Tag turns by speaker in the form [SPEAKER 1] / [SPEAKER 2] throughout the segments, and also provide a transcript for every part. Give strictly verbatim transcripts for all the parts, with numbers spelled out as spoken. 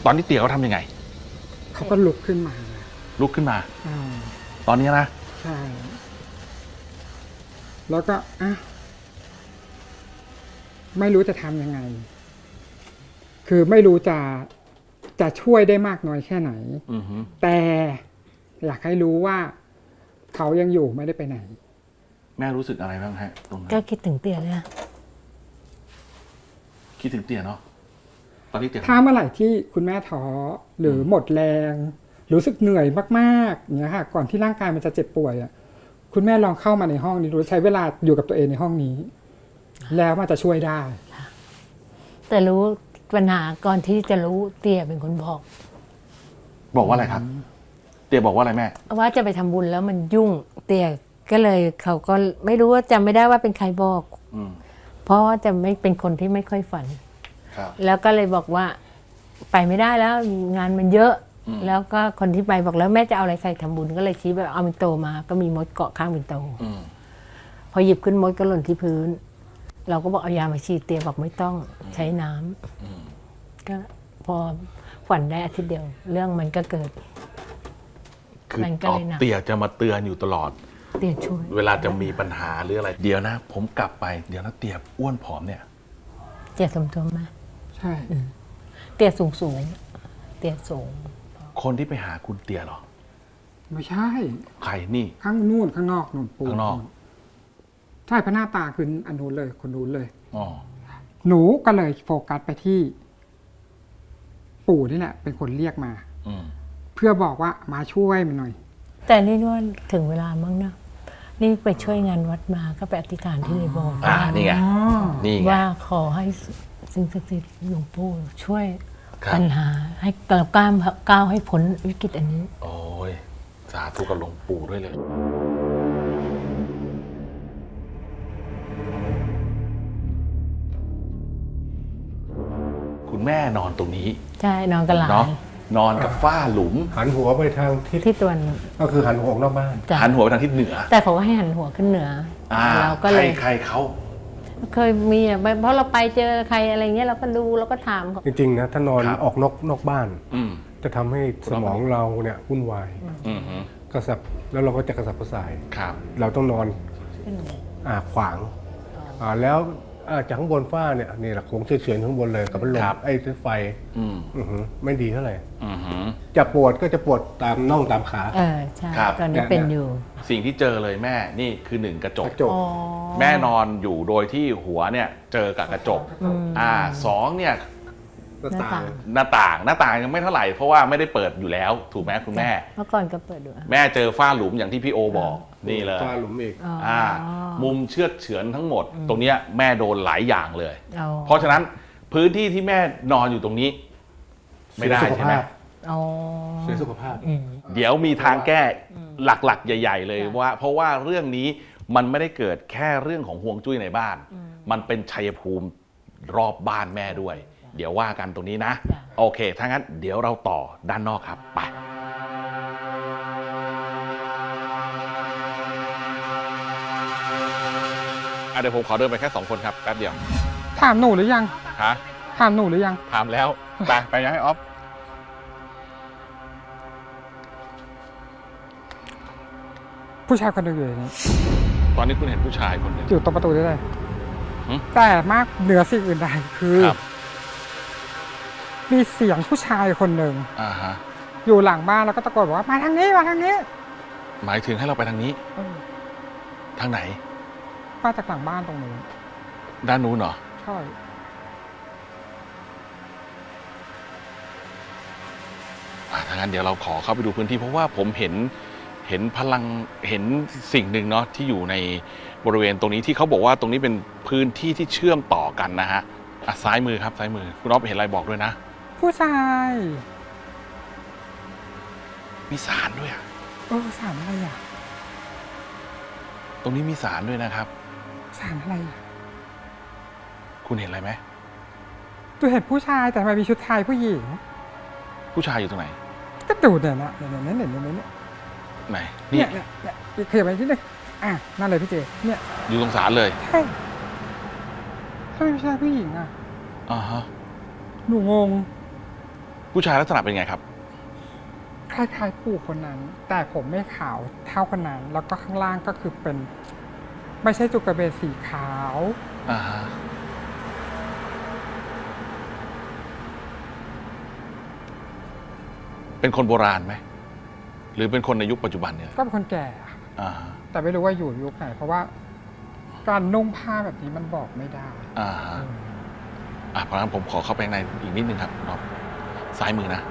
[SPEAKER 1] ตอนที่เตี๋ยเขาทำยังไง
[SPEAKER 2] เขาก็ลุกขึ้นมา
[SPEAKER 1] ลุกขึ้นมา
[SPEAKER 2] อ่า
[SPEAKER 1] ตอนนี้นะ
[SPEAKER 2] ใช่แล้วก็อ่ะไม่รู้จะทำยังไง คือไม่รู้จะจะช่วยได้มากน้อยแค่ไหนแต่อยากให้รู้ว่าเขายังอยู่ไม่ได้ไปไหน
[SPEAKER 1] แม่รู้สึกอะไรบ้างฮะตรงนั้น
[SPEAKER 3] ก็คิดถึงเตี๋ยเลย
[SPEAKER 1] คิดถึงเตี๋ยเนาะตอนนี้เตี๋ย
[SPEAKER 2] ถ้าเมื่อไหร่ที่คุณแม่ท้อหรือหมดแรงรู้สึกเหนื่อยมากๆเนี่ยค่ะก่อนที่ร่างกายมันจะเจ็บป่วยอ่ะคุณแม่ลองเข้ามาในห้องนี้ดูใช้เวลาอยู่กับตัวเองในห้องนี้แล้วมันจะช่วยได้
[SPEAKER 3] แต่รู้ปัญหาก่อนที่จะรู้เตี๋ยเป็นคนบอก
[SPEAKER 1] บอกว่าอะไรครับเตี๋ยบอกว่าอะไรแม่
[SPEAKER 3] ว่าจะไปทำบุญแล้วมันยุ่งเตี๋ยก็เลยเขาก็ไม่รู้ว่าจำไม่ได้ว่าเป็นใครบอกเพราะว่าจะไม่เป็นคนที่ไม่ค่อยฝันแล้วก็เลยบอกว่าไปไม่ได้แล้วงานมันเยอะแล้วก็คนที่ไปบอกแล้วแม่จะเอาอะไรใส่ทำบุญก็เลยชี้ไปเอาปิ่นโตมาก็มีมดเกาะข้างปิ่นโตพอหยิบขึ้นมดก็หล่นที่พื้นเราก็บอกเอายามาฉีดเตี๋ยบอกไม่ต้องใช้น้ำก็พอฝันได้อาทิตย์เดียวเรื่องมันก็เกิด
[SPEAKER 1] คือเตี๋ยจะมาเตือนอยู่ตลอด
[SPEAKER 3] เตี๋ยช่วย
[SPEAKER 1] เวลาจะมีปัญหาหรืออะไรเดี๋ยวนะผมกลับไปเดี๋ยวนะเตี๋ยอ้วนผอมเนี่ย
[SPEAKER 3] เตี๋ยสมตัวมา
[SPEAKER 2] ใช่
[SPEAKER 3] เตี๋ยสูงสูงเตี๋ยสูง
[SPEAKER 1] คนที่ไปหาคุณเตี๋ยหรอ
[SPEAKER 2] ไม่ใช่
[SPEAKER 1] ใครนี่
[SPEAKER 2] ข้างนู่นข้างนอกนู่น
[SPEAKER 1] ปูข้างนอก
[SPEAKER 2] ใช่พระหน้าตาคืออันนู้นเลยคนนู้นเลยอ๋อหนูก็เลยโฟกัสไปที่ปู่นี่แหละเป็นคนเรียกมาเพื่อบอกว่ามาช่วยมันหน่อย
[SPEAKER 3] แต่นี่ว่าถึงเวลามั้งนะนี่ไปช่วยงานวัดมาก็ไปอธิษฐานที่ในโบสถ์
[SPEAKER 1] อ่านี่ไงนี่ไง
[SPEAKER 3] ว่าขอให้สิ่งศักดิ์สิทธิ์หลวงปู่ช่วยปัญหาให้เราก้าวก้าวให้พ้นวิกฤตอันนี้
[SPEAKER 1] โอ้ยสาธุกับหลวงปู่ด้วยเลยคุณแม่นอนตรงนี้
[SPEAKER 3] ใช่นอนกับหลาน
[SPEAKER 1] นอนกับฝ้าหลุม
[SPEAKER 4] หันหัวไปทางทิศ
[SPEAKER 3] ที่ตัวน
[SPEAKER 4] ก็คือหันหัวออกนอกบ้าน
[SPEAKER 1] หันหัวไปทางทิศเหนือ
[SPEAKER 3] แต่เขาก็ให้หันหัวขึ้นเหนือเราก็เลย
[SPEAKER 1] ใครเขา
[SPEAKER 3] เคยมีอ่ะเพราะเราไปเจอใครอะไรเงี้ยเราก็ดูเราก็ถาม
[SPEAKER 4] จริงๆนะถ้านอนออกนอกนอกบ้านจะทำให้สมองเราเนี่ยวุ่นวายกระสับแล้วเราก็จะกระสับกระส่ายเราต้องนอนอ่าขวางอ่าแล้วจากข้างบนฝ้าเนี่ยนี่แหละโค้งเฉื่อยๆข้างบนเลยกับพัดลมไอ้ไฟไม่ดีเท่าไหร่จะปวดก็จะปวดตามน่องตามขา
[SPEAKER 3] เออใช่ตอนนี้เป็นอยู่
[SPEAKER 1] สิ่งที่เจอเลยแม่นี่คือหนึ่งกระจกแม่นอนอยู่โดยที่หัวเนี่ยเจอกับกระจกอ่าสองเนี่ย
[SPEAKER 4] หน้าต่าง
[SPEAKER 1] หน้าต่างหน้าต่างยังไม่เท่าไหร่เพราะว่าไม่ได้เปิดอยู่แล้วถูกไหมคุณแม่
[SPEAKER 3] เมื่อก่อนก็เปิดดู
[SPEAKER 1] แม่เจอฝ้าหลุมอย่างที่พี่โอบอกนี่เลย
[SPEAKER 4] ฝ้าหลุมอีก
[SPEAKER 1] อ่ามุมเชือดเฉือนทั้งหมดตรงเนี้ยแม่โดนหลายอย่างเลยเพราะฉะนั้นพื้นที่ที่แม่นอนอยู่ตรงนี้ไม่ได้ใช่ไหม
[SPEAKER 4] เสียสุขภาพ
[SPEAKER 1] เดี๋ยวมีทางแก้หลักๆใหญ่ๆเลยว่าเพราะว่าเรื่องนี้มันไม่ได้เกิดแค่เรื่องของฮวงจุ้ยในบ้านมันเป็นชัยภูมิรอบบ้านแม่ด้วยเดี๋ยวว่ากันตรงนี้นะโอเคถ้างั้นเดี๋ยวเราต่อด้านนอกครับไปเดี๋ยวผมขอเดินไปแค่สองคนครับแป๊บเดียว
[SPEAKER 2] ถามหนูหรือยัง
[SPEAKER 1] ฮะ
[SPEAKER 2] ถามหนูหรือยัง
[SPEAKER 1] ถามแล้วไปไปยังให้ออฟ
[SPEAKER 2] ผู้ชายคนหนึ่งอยู่นี่
[SPEAKER 1] ตอนนี้คุณเห็นผู้ชายคนหนึ่ง
[SPEAKER 2] อยู่ตรงประตูได้เลยแต่มากเหนือสิ่งอื่นใดคือมีเสียงผู้ชายคนหนึ่งอยู่หลังบ้านแล้วก็ตะโกนบอกว่ามาทางนี้มาทางนี้
[SPEAKER 1] หมายถึงให้เราไปทางนี้ทางไหน
[SPEAKER 2] มาจากหลังบ้านตรงนู้น
[SPEAKER 1] ด้านนู้นเหรอ
[SPEAKER 2] ใช่
[SPEAKER 1] ถ้างั้นเดี๋ยวเราขอเข้าไปดูพื้นที่เพราะว่าผมเห็นเห็นพลังเห็นสิ่งหนึ่งเนาะที่อยู่ในบริเวณตรงนี้ที่เขาบอกว่าตรงนี้เป็นพื้นที่ที่เชื่อมต่อกันนะฮะซ้ายมือครับซ้ายมือคุณอ๊อฟเห็นอะไรบอกด้วยนะ
[SPEAKER 2] ผู้ชาย
[SPEAKER 1] มีศาลด้วยอ่ะ
[SPEAKER 2] เออศาลอะไรอ่ะ
[SPEAKER 1] ตรงนี้มีศาลด้วยนะครับ
[SPEAKER 2] ศาลอะไรอ่ะ
[SPEAKER 1] คุณเห็นอะไรไหม
[SPEAKER 2] ตัวเห็นผู้ชายแต่ทำไมมีชุดไทยผู้หญิง
[SPEAKER 1] ผู้ชายอยู่ตรงไหน
[SPEAKER 2] ก็ดูเนี่ยนะเนี่ยเนี่ยเนี่ยเนี่ยเนี่ย
[SPEAKER 1] ไหน
[SPEAKER 2] เนี่ยเนี่ยเนี่ยเคลียร์ไปที่นึงอ่ะนั่นเลยพี่เจเนี่ย
[SPEAKER 1] อยู่ตรงศาลเลย
[SPEAKER 2] ใช่ถ้าไม่ใช่ผู้หญิงอ่ะ
[SPEAKER 1] อ่าฮะ
[SPEAKER 2] หนูงง
[SPEAKER 1] ผู้ชายลักษณะเป็นไงครับ
[SPEAKER 2] คล้ายๆปู่คนนั้น แต่ผมไม่ขาวเท่าคนนั้น แล้วก็ข้างล่างก็คือเป็น ไม่ใช่จุกกระเบนสีขาว
[SPEAKER 1] อ่าฮะเป็นคนโบราณไหม หรือเป็นคนในยุคปัจจุบันเนี่ย
[SPEAKER 2] ก็เป็นคนแก่อะ
[SPEAKER 1] อ่าฮะ
[SPEAKER 2] แต่ไม่รู้ว่าอยู่ยุคไหน เพราะว่าการนุ่งผ้าแบบนี้มันบอกไม่ได้
[SPEAKER 1] อ่าฮะอ่ะเพราะฉะนั้นผมขอเข้าไปข้างในอีกนิดนึงครับน้องซ้ายมือนะ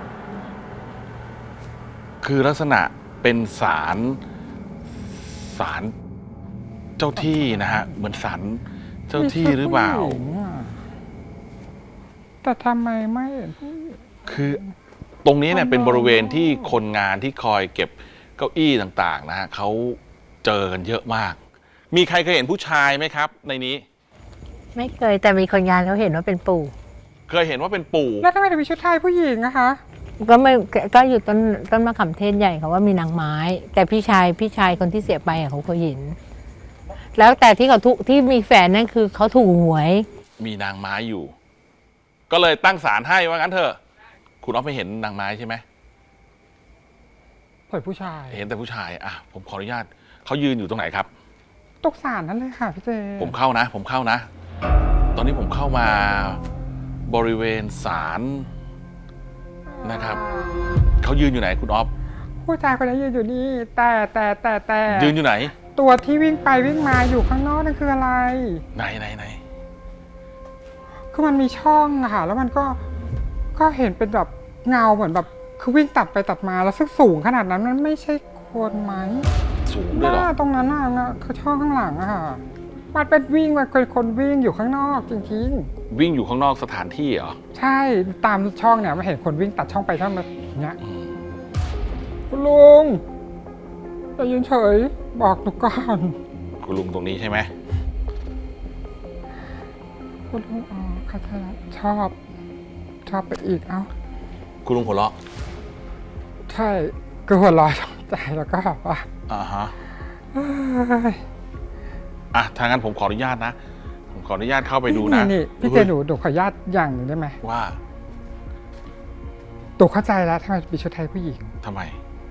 [SPEAKER 1] คือลักษณะเป็นศาลศาลเจ้าที่นะฮะ เหมือนศาลเจ้าที่หรือเปล่า
[SPEAKER 2] มีชุดผู้หญิงอะแต่ทำไมไม่เห็นผู้หญิง
[SPEAKER 1] คือตรงนี้เนี่ย
[SPEAKER 2] อ๋อ
[SPEAKER 1] เป็นบริเวณที่คนงานที่คอยเก็บเก้าอี้ต่างๆ นะฮะเขาเจอกันเยอะมาก มีใครเคยเห็นผู้ชายไหมครับ ในนี้
[SPEAKER 3] ไม่เคยแต่มีคนงานเขาเห็นว่าเป็นปู่
[SPEAKER 1] เคยเห็นว่าเป็นปู่
[SPEAKER 2] แล้วทำไมถึงมีชุดไทยผู้หญิงอะคะ
[SPEAKER 3] ก็ไม่ก็อยู่ต้นต้นมะขามเทศใหญ่เขาว่ามีนางไม้ แต่พี่ชายพี่ชายคนที่เสียไปอะเขาเคยเห็น แล้วแต่ที่เขาถูกที่มีแฟนนั่นคือเขาถูกหวย
[SPEAKER 1] มีนางไม้อยู่ ก็เลยตั้งศาลให้ว่างั้นเถอะ คุณอ๊อฟไม่เห็นนางไม้ใช่ไหม
[SPEAKER 2] เปิดผู้ชาย
[SPEAKER 1] เห็นแต่ผู้ชาย อ่ะ ผมขออนุญาตเขายืนอยู่ตรงไหนครับ
[SPEAKER 2] ตกสารนั่นเลยค่ะพี่เจ
[SPEAKER 1] ผมเข้านะ ผมเข้านะ ตอนนี้ผมเข้ามาบริเวณศาลนะครับ เขายืนอยู่ไหนคุณอ๊อฟ
[SPEAKER 2] ผู้ชายคนนี้ยืนอยู่นี่ แต่แต่แต่แต่
[SPEAKER 1] ยืนอยู่ไหน
[SPEAKER 2] ตัวที่วิ่งไปวิ่งมาอยู่ข้างนอกนั่นคืออะไร
[SPEAKER 1] ไหนไหนไหน
[SPEAKER 2] คือมันมีช่องอะค่ะ แล้วมันก็ก็เห็นเป็นแบบเงาเหมือนแบบคือวิ่งตัดไปตัดมาแล้วซึ่งสูงขนาดนั้นมันไม่ใช่คนไหม
[SPEAKER 1] สูงด้วยเหรอ
[SPEAKER 2] หน้าตรงนั้นอะนะคือช่องข้างหลังอะค่ะมันเป็นวิ่งมันเป็นคนวิ่งอยู่ข้างนอกจริง
[SPEAKER 1] วิ่งอยู่ข้างนอกสถานที่เหรอ
[SPEAKER 2] ๆ ใช่ตามช่องเนี่ยมันเห็นคนวิ่งตัดช่องไปช่องมาอย่างเงี้ย
[SPEAKER 1] อืม
[SPEAKER 2] คุณลุงอย่ายืนเฉยบอกหนูก่อน
[SPEAKER 1] คุณลุงตรงนี้ใช่ไหม
[SPEAKER 2] คุณลุงอ๋อเข้าใจแล้วชอบชอบไปอีกเอ้า
[SPEAKER 1] คุณลุงหัวเราะ
[SPEAKER 2] ใช่ก็หัวเร้อนใจแล้วก็แบบว่า
[SPEAKER 1] อ่าฮะ
[SPEAKER 2] เอ้ย
[SPEAKER 1] อ่ะ ถ้างั้นผมขออนุญาตนะ ผมขออนุญาตเข้าไปดูนะ
[SPEAKER 2] นี่พี่เจหนูหนูขออนุญาตอย่างหนึ่งได้ไหม
[SPEAKER 1] ว่า
[SPEAKER 2] ตูเข้าใจแล้วทำไมมีชุดไทยผู้หญิง
[SPEAKER 1] ทำไม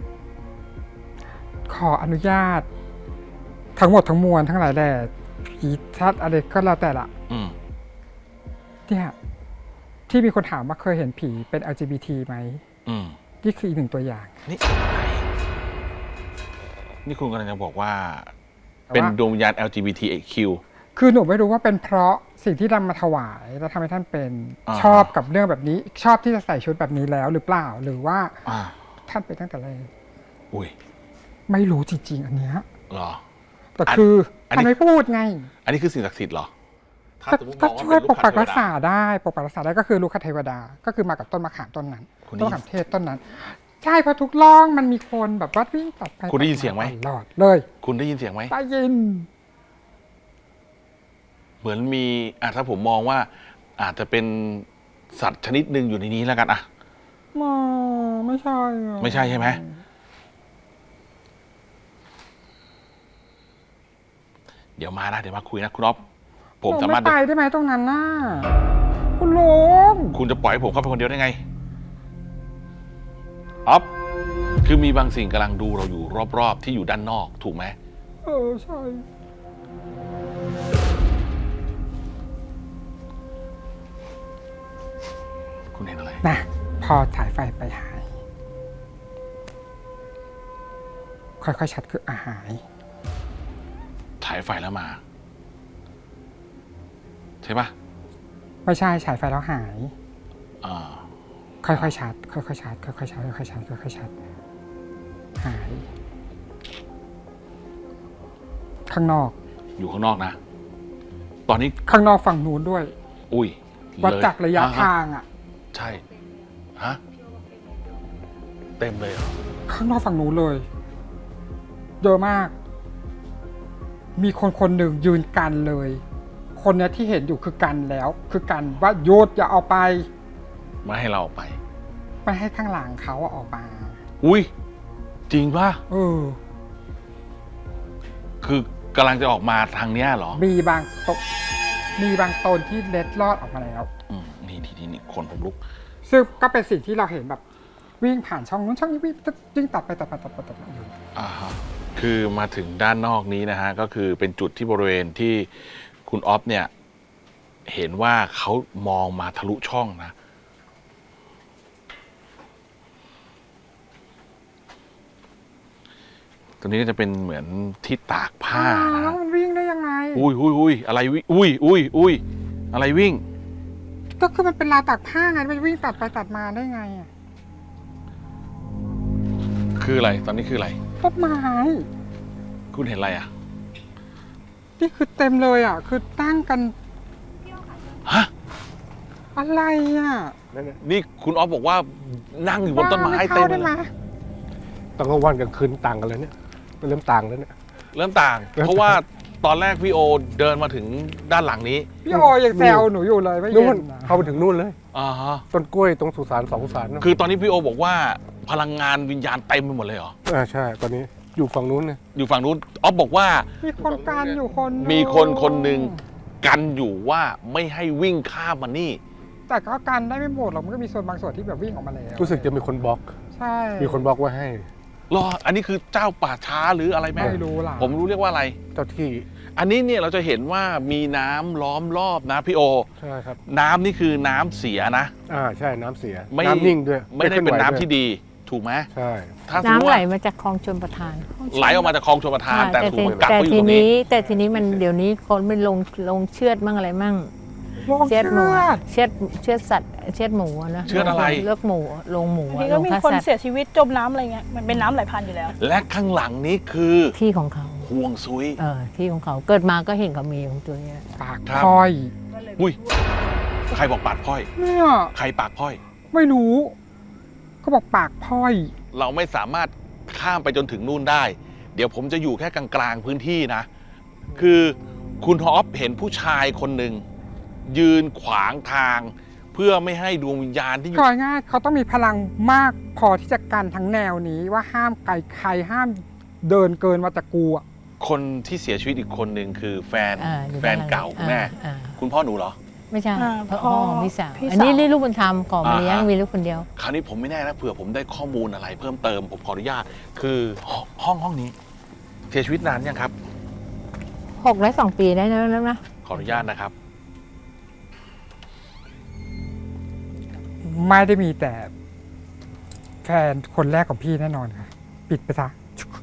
[SPEAKER 2] ขออนุญาต ทั้งหมดทั้งมวลทั้งหลายแหล่ผีชัดอะไรก็แล้วแต่ละ
[SPEAKER 1] อืม
[SPEAKER 2] เนี่ยที่มีคนถามว่าเคยเห็นผีเป็น แอล จี บี ที ไหม
[SPEAKER 1] อืม
[SPEAKER 2] นี่คืออีกหนึ่งตัวอย่าง
[SPEAKER 1] นี่นี่คุณกำลังจะบอกว่า
[SPEAKER 2] แต่ว่า
[SPEAKER 1] เป็นดวงวิญญาณ แอล จี บี ที คิว
[SPEAKER 2] คือหนูไม่รู้ว่าเป็นเพราะสิ่งที่นำมาถวายแล้วทำให้ท่านเป็น
[SPEAKER 1] อ่า
[SPEAKER 2] ชอบกับเรื่องแบบนี้ ชอบที่จะใส่ชุดแบบนี้แล้วหรือเปล่า หรือว่า
[SPEAKER 1] อ่า
[SPEAKER 2] ท่านเป็นตั้งแต่แรก
[SPEAKER 1] อุ้ย
[SPEAKER 2] ไม่รู้จริง ๆ อันเนี้ย
[SPEAKER 1] เหรอ
[SPEAKER 2] แต่
[SPEAKER 1] อัน
[SPEAKER 2] คือ
[SPEAKER 1] อันนี้
[SPEAKER 2] ท่านไม่พูดไง
[SPEAKER 1] อันนี้คือสิ่งศักดิ์สิทธิ์เหรอ ถ้า
[SPEAKER 2] ก็
[SPEAKER 1] สมมติม
[SPEAKER 2] ก็
[SPEAKER 1] องว่า
[SPEAKER 2] ช่วย
[SPEAKER 1] เป็น
[SPEAKER 2] ป
[SPEAKER 1] ลู
[SPEAKER 2] ก
[SPEAKER 1] ขั
[SPEAKER 2] ปั
[SPEAKER 1] ด
[SPEAKER 2] ก
[SPEAKER 1] เทว
[SPEAKER 2] รัก
[SPEAKER 1] ดา
[SPEAKER 2] ษาได้ปกปักรักษาได้ก็คือลูกคเทวดา ก็คือมากับต้นมะขามต้นนั้น
[SPEAKER 1] คุณได้
[SPEAKER 2] ต้น
[SPEAKER 1] ยิน
[SPEAKER 2] มะขามเทศต้นนั้น ใช่เพราะทุกร่องมันมีคนแบบว่าวิ่งตัดไป
[SPEAKER 1] คุณได้ยินเสียงไหม
[SPEAKER 2] ตลอดเลย
[SPEAKER 1] คุณได้ยินเสียงไหม
[SPEAKER 2] ได้ยิน
[SPEAKER 1] เหมือนมีอ่ะถ้าผมมองว่า อาจจะเป็นสัตว์ชนิดหนึ่งอยู่ในนี้แล้วกันอ่ะ
[SPEAKER 2] มาไม่ใช่อะ
[SPEAKER 1] ไม่ใช่ใช่ไหม เดี๋ยวมานะ เดี๋ยวมาคุยนะคุณอ๊อฟผม
[SPEAKER 2] หนู
[SPEAKER 1] สามารถ
[SPEAKER 2] ไไปได้ไหมตรงนั้นน่ะคุณลุง
[SPEAKER 1] คุณจะปล่อยให้ผมเข้าไปคนเดียวได้ไงอ๊อฟคือมีบางสิ่งกำลังดูเราอยู่รอบๆ ที่อยู่ด้านนอกถูกไหม
[SPEAKER 2] เออใช่
[SPEAKER 1] คุณเห็นอะไร
[SPEAKER 2] นะพอถ่ายไฟไปหาย ค่อยๆชัดคืออาหาย
[SPEAKER 1] ถ่ายไฟแล้วมา ใช่ปะ
[SPEAKER 2] ไม่ใช่ฉายไฟแล้วหาย
[SPEAKER 1] อ่า
[SPEAKER 2] ค่อยๆชัดค่อยๆชัดค่อยๆชัดค่อยๆชัดค่อยๆชัดหาย ข้างนอก
[SPEAKER 1] อยู่ข้างนอกนะ ตอนนี้
[SPEAKER 2] ข้างนอกฝั่งนู้นด้วย
[SPEAKER 1] อุ้ย
[SPEAKER 2] วัด
[SPEAKER 1] เลย
[SPEAKER 2] จากระยะ
[SPEAKER 1] ฮ
[SPEAKER 2] ทางอ่ะ
[SPEAKER 1] ใช่ ฮะ เต็มเลยเหรอ
[SPEAKER 2] ข้างนอกฝั่งนู้นเลย เยอะมาก มีคนคนหนึ่งยืนกันเลย คนเนี้ยที่เห็นอยู่คือกันแล้ว คือกันว่าโยดอย่าเอาไป
[SPEAKER 1] ไม่ให้เราออกไป
[SPEAKER 2] ไม่ให้ข้างหลังเขาอะออกมา
[SPEAKER 1] อุ้ย จริงป่ะ
[SPEAKER 2] เออ
[SPEAKER 1] คือกำลังจะออกมาทางเนี้ยเหรอ
[SPEAKER 2] มีบางตนมีบางตนที่เล็ดลอดออกมาแล้ว
[SPEAKER 1] อืมนี่ทีนี้นี่คนผมลุก
[SPEAKER 2] ซึ่งก็เป็นสิ่งที่เราเห็นแบบวิ่งผ่านช่องนู้นช่องนี้วิ่งวิ่งตัดไปตัดไปตัดไปตัดไปอยู่
[SPEAKER 1] อ่าฮะคือมาถึงด้านนอกนี้นะฮะก็คือเป็นจุดที่บริเวณที่คุณออฟเนี่ยเห็นว่าเขามองมาทะลุช่องนะตรงนี้ก็จะเป็นเหมือนที่ตากผ้า
[SPEAKER 2] อ่า
[SPEAKER 1] นะ
[SPEAKER 2] แล้วมันวิ่งได้ยังไง
[SPEAKER 1] อุ้ยอุ้ยอุ้ยอะไรวิอุ้ยอุ้ยอุ้ยอะไรวิ่ง
[SPEAKER 2] ก็คือมันเป็นราวตากผ้าไงมันวิ่งตัดไปตัดมาได้ไงอ่ะ
[SPEAKER 1] คืออะไรตอนนี้คืออะไร
[SPEAKER 2] ต้นไม้
[SPEAKER 1] คุณเห็นอะไรอ่ะ
[SPEAKER 2] นี่คือเต็มเลยอ่ะ คือตั้งกัน
[SPEAKER 1] ฮะ
[SPEAKER 2] อะไรอ่ะ
[SPEAKER 4] นั่นน่ะ
[SPEAKER 1] นี่คุณออฟบอกว่านั่งอยู่บนต้นไม้
[SPEAKER 2] บ้า
[SPEAKER 1] เต็ม
[SPEAKER 2] ได้
[SPEAKER 1] เล
[SPEAKER 2] ไหม
[SPEAKER 1] ย
[SPEAKER 4] ตอนกลางวันกลางคืนต่างกันเลยเนี่ยมันเริ่มต่างแล้วเนี่ย
[SPEAKER 1] เริ่มต่าง เพราะว่าตอนแรกพี่โอเดินมาถึงด้านหลังนี้
[SPEAKER 2] พี่โอยังแซวหนูอยู่เลยไม่เย็
[SPEAKER 4] นู่น
[SPEAKER 2] นนะ
[SPEAKER 4] เข้าไปถึงนู่นเลย
[SPEAKER 1] อ่าฮะ
[SPEAKER 4] ต้นกล้วยตรงสุสานสองสุสานเนอะ
[SPEAKER 1] คือตอนนี้พี่โอบอกว่าพลังงานวิญญาณเต็มไปหมดเลยเหรอ
[SPEAKER 4] อ่าใช่ ตอนนี้อยู่ฝั่งนู้นเนี่ย
[SPEAKER 1] อยู่ฝั่งนู้นออฟบอกว่า
[SPEAKER 2] มีคนการอยู่คนหนึ่ง
[SPEAKER 1] มีคนคนหนึ่งกันอยู่ว่าไม่ให้วิ่งข้ามมานี่
[SPEAKER 2] แต่ก็กันได้ไม่หมดหรอกมันก็มีส่วนบางส่วนที่แบบวิ่งออกมาแล้ว
[SPEAKER 4] รู้สึกจะมีคนบล็อก
[SPEAKER 2] ใช่
[SPEAKER 4] มีคนบล็อกไว้ให้
[SPEAKER 1] รอ อันนี้คือเจ้าป่าช้าหรืออะไรแม่
[SPEAKER 2] ไม่รู้ล่ะ
[SPEAKER 1] ผมรู้เรียกว่าอะไร
[SPEAKER 4] เจ้าที่
[SPEAKER 1] อันนี้เนี่ยเราจะเห็นว่ามีน้ำล้อมรอบนะพี่โอ
[SPEAKER 4] ใช่ครับ
[SPEAKER 1] น้ำนี่คือน้ำเสียนะ
[SPEAKER 4] อ่าใช่น้ำเสีย
[SPEAKER 1] ไม่
[SPEAKER 4] น้ำนิ่งด้วย
[SPEAKER 1] ไม่ได้เป็นน้ำที่
[SPEAKER 4] คลื่อ
[SPEAKER 1] ดี ถูกไหม
[SPEAKER 4] ใช่
[SPEAKER 1] ถ้าสมม
[SPEAKER 3] น้ำ
[SPEAKER 1] ติ
[SPEAKER 3] ไหล
[SPEAKER 1] ว่า
[SPEAKER 3] มาจากคลองชลประทาน
[SPEAKER 1] ไหลออกมาจากคลองชลประทาน แต่ถู
[SPEAKER 3] ที
[SPEAKER 1] กกัก
[SPEAKER 3] แต่
[SPEAKER 1] ไว้อยู่
[SPEAKER 3] ที
[SPEAKER 1] ตรงนี้
[SPEAKER 3] นี้แต่ทีนี้มันเดี๋ยวนี้คนไม่ลงลงเชือดมั่งอะไรมั่ง
[SPEAKER 2] ลง
[SPEAKER 3] เชื
[SPEAKER 2] เชื
[SPEAKER 3] อดหมู
[SPEAKER 2] อด
[SPEAKER 3] เชือดเชือดสัตว์เชือดหมูอะนะ
[SPEAKER 1] เชือดอะไร
[SPEAKER 3] เลือกหมูลงหมู
[SPEAKER 5] บางที
[SPEAKER 3] ล
[SPEAKER 5] ก็
[SPEAKER 3] ง
[SPEAKER 5] มี
[SPEAKER 3] ฆ่า
[SPEAKER 5] คน
[SPEAKER 3] สัตว์
[SPEAKER 5] เสียชีวิตจมน้ำอะไรเงี้ยมันเป็นน้ำไหลผ่านอยู่แล้ว
[SPEAKER 1] และข้างหลังนี้คือ
[SPEAKER 3] ที่ของเขา
[SPEAKER 1] ห่วงซุย
[SPEAKER 3] เออที่ของเขาเกิดมาก็เห็นเขามีของตัวเนี้ย
[SPEAKER 2] ปาก
[SPEAKER 1] ครับ
[SPEAKER 2] พลอย
[SPEAKER 1] อุ้ย ใครบอกปากพ้อย
[SPEAKER 2] เนี่ย
[SPEAKER 1] ใครปากพ้อย
[SPEAKER 2] ไม่รู้เขาบอกปากพลอย
[SPEAKER 1] เราไม่สามารถข้ามไปจนถึงนู่นได้ เดี๋ยวผมจะอยู่แค่กลางๆพื้นที่นะ คือคุณฮอปเห็นผู้ชายคนหนึ่งยืนขวางทาง เพื่อไม่ให้ดวงวิญญาณที่อยู่
[SPEAKER 2] ก่อยง่ายเขาต้องมีพลังมากพอที่จะกันทั้งแนวนี้ว่าห้ามไกลใครห้ามเดินเกินมาจากกูอ่ะ
[SPEAKER 1] คนที่เสียชีวิตอีกคนหนึ่งคือแฟน
[SPEAKER 3] อ่าอยู่
[SPEAKER 1] แฟนเก่าคุณแม่
[SPEAKER 3] อ่า
[SPEAKER 1] คุณพ่อหนูเหรอ
[SPEAKER 3] ไม่ใช่
[SPEAKER 5] อ่า
[SPEAKER 3] พ่อ
[SPEAKER 5] พ่อ
[SPEAKER 3] ของพี่สาว
[SPEAKER 5] พี่
[SPEAKER 3] อันนี้
[SPEAKER 5] สาว
[SPEAKER 3] นี่ลูกบุญธรรมขอมาเลี้ยง
[SPEAKER 1] อ่าฮะ
[SPEAKER 3] มีลูกคนเดียว
[SPEAKER 1] คราวนี้ผมไม่แน่นะเผื่อผมได้ข้อมูลอะไรเพิ่มเติมผมขออนุญาต คือห้องห้องนี้ เสียชีวิตนานยังครับ
[SPEAKER 3] หกและสองปีได้แล้วนะ
[SPEAKER 1] ขออนุญาตนะครับ
[SPEAKER 2] ไม่ได้มีแต่ แฟนคนแรกของพี่แน่นอนค่ะ ปิดไปซะ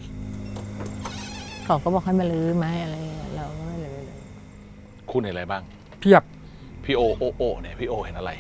[SPEAKER 3] เขาก็บอกให้มาลื้อไหมอะไรเงี้ยเราก็ไม่ลื้อเลย
[SPEAKER 1] คุณเห็นอะไรบ้าง
[SPEAKER 2] เพียบ
[SPEAKER 1] พี่โอโอโอเนี่ยพี่โอเห็นอะไร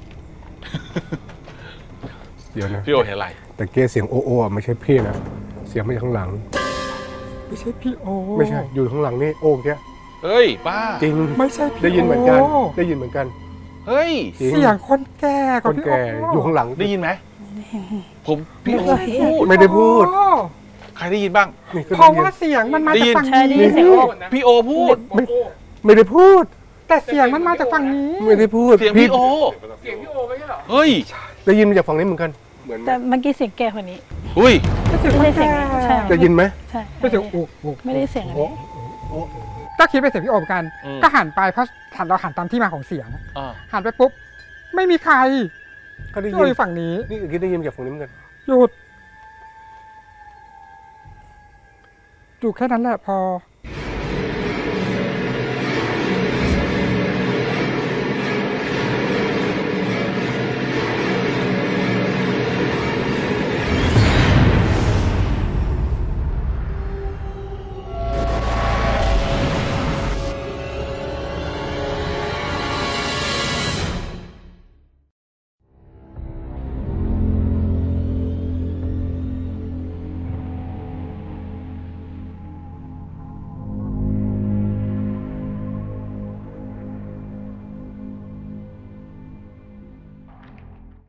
[SPEAKER 4] เดี๋ยวนะ
[SPEAKER 1] พี่โอเห็นอะไร
[SPEAKER 4] แต่เกี้เสียงโอโออ่ะไม่ใช่พี่นะ เสียงมาจากข้างหลัง
[SPEAKER 2] ไม่ใช่พี่โอ
[SPEAKER 4] ไม่ใช่ อยู่ข้างหลังนี่โอ้แก
[SPEAKER 1] เฮ้ยป้า
[SPEAKER 4] จริง
[SPEAKER 2] ไม่ใช่พี่
[SPEAKER 4] ได้ยินเหมือนกัน
[SPEAKER 2] โ
[SPEAKER 4] ได้ยินเหมือนกัน
[SPEAKER 1] เฮ้ย
[SPEAKER 4] จริง
[SPEAKER 2] เสียงคนแก่
[SPEAKER 4] ค
[SPEAKER 2] กับ
[SPEAKER 4] น
[SPEAKER 2] พี่
[SPEAKER 4] แก่
[SPEAKER 2] โ
[SPEAKER 4] อยู่ข้างหลัง
[SPEAKER 1] ได้ยินไหมผมพี่โอพูด
[SPEAKER 4] ไม่ได้พูด
[SPEAKER 2] โอ้
[SPEAKER 1] ใครได้ยินบ้าง
[SPEAKER 4] นี่ก็
[SPEAKER 2] เพ
[SPEAKER 4] ได้
[SPEAKER 2] ราะ
[SPEAKER 4] ยิน
[SPEAKER 2] ว่าเสียงมันมา
[SPEAKER 1] ได้
[SPEAKER 2] จาก
[SPEAKER 1] ยิน
[SPEAKER 2] ฝั่ง
[SPEAKER 5] ใช่ได้
[SPEAKER 2] นี้
[SPEAKER 5] ยินเสียงโอ้
[SPEAKER 1] พี่โอพูด
[SPEAKER 4] ไม่ไม่ได้พูด
[SPEAKER 2] แต่เสียงมันมาจากฝั่งนี้
[SPEAKER 4] ไม่ได้พูด
[SPEAKER 1] เสียงพี่โอเสียงพี่โอไม่ใช่หรอเฮ้ย
[SPEAKER 4] ได้ยินมาจากฝั่งนี้เหมือนกัน เหมือนไหม
[SPEAKER 5] แต่เมื่อกี้เสียงแก่คนนี้
[SPEAKER 1] อุ้ย
[SPEAKER 2] เป็นเสียงค
[SPEAKER 5] ไม่
[SPEAKER 2] น
[SPEAKER 5] ใช่เสีย
[SPEAKER 2] แก่
[SPEAKER 5] งนี้ใช่
[SPEAKER 4] ได้ยินไหม
[SPEAKER 5] ใช่
[SPEAKER 2] เป็นเสียงโอ้โอ้
[SPEAKER 5] ไม่ได้เสียงอันนี้
[SPEAKER 2] ก็คิดเป็นเสียงพี่โอเหมือนกัน
[SPEAKER 1] อืม
[SPEAKER 2] ก็หันไปเพราะหันเราหันตามที่มาของเสียง
[SPEAKER 1] อ่า
[SPEAKER 2] หันไปปุ๊บ ไม่มีใคร
[SPEAKER 4] ก็ได้
[SPEAKER 2] พี่
[SPEAKER 4] ยิ
[SPEAKER 2] โอน อยู่ฝั่งนี้
[SPEAKER 4] นี่คิดได้ยินมาจากฝั่งนี้เหมือนกัน
[SPEAKER 2] หยุดอยู่แค่นั้นแหละพอ